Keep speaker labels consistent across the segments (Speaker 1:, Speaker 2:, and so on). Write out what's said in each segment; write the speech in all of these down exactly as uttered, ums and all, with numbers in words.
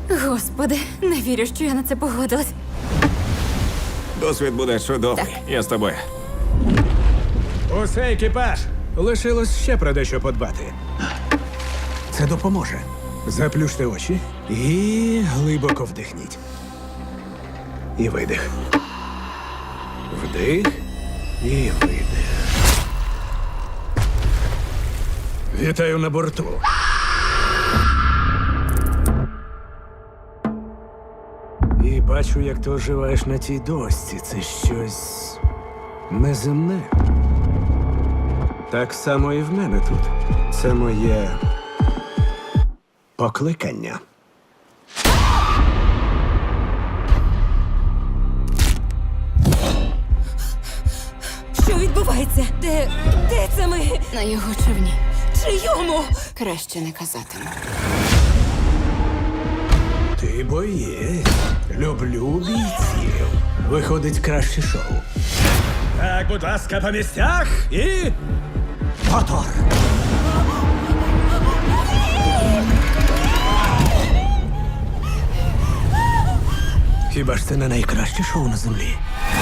Speaker 1: Господи, не вірю, що я на це погодилась.
Speaker 2: Досвід буде чудовий.
Speaker 1: Так.
Speaker 2: Я з тобою.
Speaker 3: Усе, екіпаж! Лишилось ще про дещо подбати. Це допоможе. Заплющте очі і глибоко вдихніть. І видих. Вдих і видих. Вітаю на борту. І бачу, як ти оживаєш на тій дошці. Це щось неземне. Так само і в мене тут. Це моє покликання.
Speaker 1: Що відбувається? Де. де це ми?
Speaker 4: На його човні.
Speaker 1: Чийому?
Speaker 4: Краще не казатиму.
Speaker 3: Ти боєць. Люблю бійців. Виходить краще шоу. Так, будь ласка, по місцях і. Мотор! Хіба ж це не найкраще шоу на землі?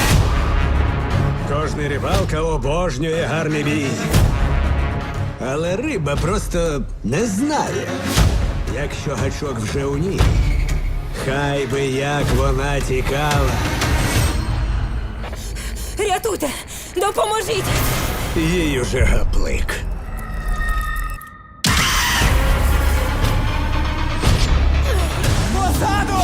Speaker 3: Кожний рибалка обожнює гарний бій. Але риба просто не знає, якщо гачок вже у ній. Хай би як вона тікала.
Speaker 1: Рятуйте! Допоможіть!
Speaker 3: Їй уже гаплик. Позаду!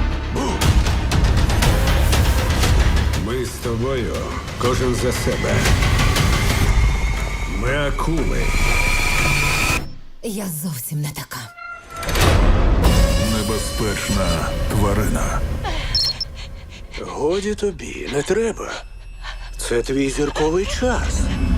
Speaker 3: Ми з тобою, кожен за себе. Ми акули.
Speaker 1: Я зовсім не така.
Speaker 5: Небезпечна тварина.
Speaker 3: Годі тобі, не треба. Це твій зірковий час.